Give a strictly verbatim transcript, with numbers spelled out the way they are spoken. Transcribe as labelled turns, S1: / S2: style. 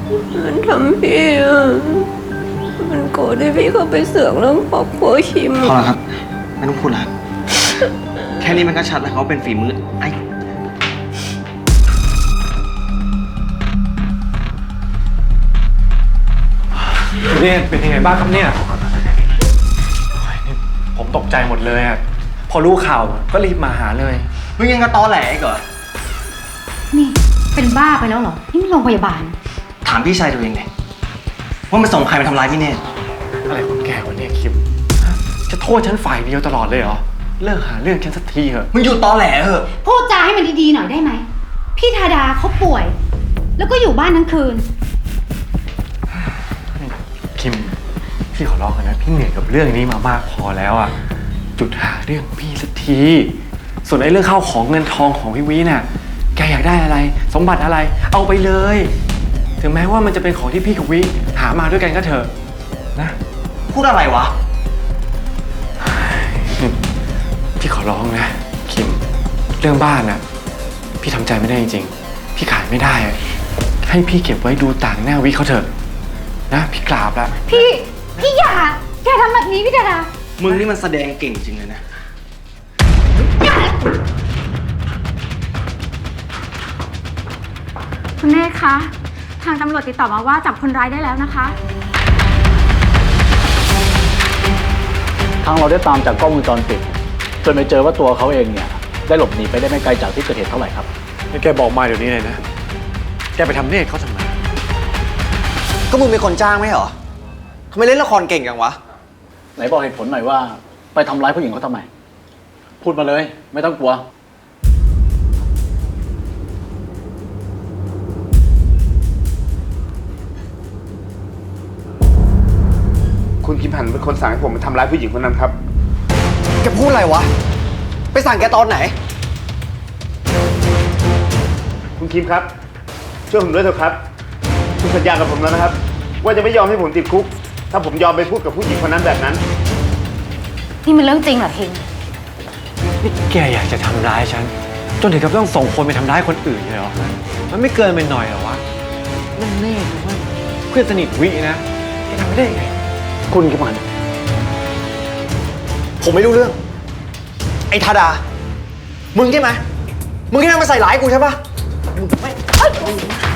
S1: มันทำพี่อะมันโกรธที่พี่เข้าไปเสือกเรื่องครอบครัวคิม
S2: พอแล้วครับไม่ต้องพูดแล้วแค่นี้มันก็ชัดแล้วเขาเป็นฝีมือไอ้
S3: เนี่ยเป็นยังไงบ้างครับเนี่ยผมตกใจหมดเลยอะพอรู้ข่าวก็รีบมาหาเลย
S2: มึงยังกระตอแหลอีกเหรอ
S4: นี่เป็นบ้าไปแล้วเหรอ นี่มันโรงพยาบาล
S2: ถามพี่ชายตัวเองเลยว่ามันส่งใครมาทำร้ายพี่เนตร
S3: อะไรของแกวะเนี่ยคิมจะโทษฉันฝ่ายเดียวตลอดเลยเหรอเลิกหาเรื่องฉันสักทีเถอะ
S2: มึงหยุดตอแหลเถอะ
S4: พูดจาให้มันดีๆหน่อยได้ไหม พี่ธาดาเขาป่วย แล้วก็อยู่บ้านทั้งคืน
S3: คิมพี่ขอร้องนะพี่เหนื่อยกับเรื่องนี้มามากพอแล้วอ่ะจุดหาเรื่องพี่สักทีส่วนไอ้เรื่องข้าวของเงินทองของพี่วิน่ะแกอยากได้อะไรสมบัติอะไรเอาไปเลยถึงแม้ว่ามันจะเป็นของที่พี่กับวิหามาด้วยกันก็เถอะนะ
S2: พูดอะไรวะ
S3: พี่ขอร้องนะคิมเรื่องบ้านน่ะพี่ทำใจไม่ได้จริงๆพี่ขายไม่ได้ให้พี่เก็บไว้ดูต่างหน้าวิเขาเถอะนะพี่กราบละ
S4: พี่ พี่อย่าอย่าทำแบบนี้พี่ธาดา
S2: มึงนี่มันแสดงเก่งจริงเลยนะ
S5: คุณเนธคะ ทางตำรวจติดต่อมาว่าจับคนร้ายได้แล้วนะคะ
S6: ทางเราได้ตามจากกล้องวงจรปิดจนไปเจอว่าตัวเขาเองเนี่ยได้หลบหนีไปได้ไม่ไกลจากที่เกิดเหตุเท่าไหร่ครับ
S3: แกบอกมาเดี๋ยวนี้เลยนะแกไปทำเนตรเขาทำไม
S2: ก็มึงเป็นคนจ้างไหมเหรอทำไมเล่นละครเก่งจังวะ
S6: ไหนบอกเหตุผลหน่อยว่าไปทำร้ายผู้หญิงเขาทำไม พูดมาเลยไม่ต้องกลัว
S7: คุณคิมหันเป็นคนสั่งให้ผมไปทำร้ายผู้หญิงคนนั้นครับ
S2: แกพูดอะไรวะ ไปสั่งแกตอนไหน
S7: คุณคิมครับ ช่วยผมด้วยเถอะครับ คุณสัญญากับผมแล้วนะครับ ว่าจะไม่ยอมให้ผมติดคุก ถ้าผมยอมไปพูดกับผู้หญิงคนนั้นแบบนั้น
S4: นี่มันเรื่องจริงเหรอคิง
S3: นี่แกอยากจะทำร้ายฉันจนถึงกับต้องส่งคนไปทำร้ายคนอื่นเลยเหรอมันไม่เกินไปหน่อยเหรอวะนั่นแน่นะว่าเพื่อนสนิทวินะแกทำไม่ได้ไง
S6: คุณคิดมัน
S2: ผมไม่รู้เรื่อง ไอ้ธาดา มึงใช่ไหม มึงที่นั่นมาใส่ร้ายกูใช่ปะ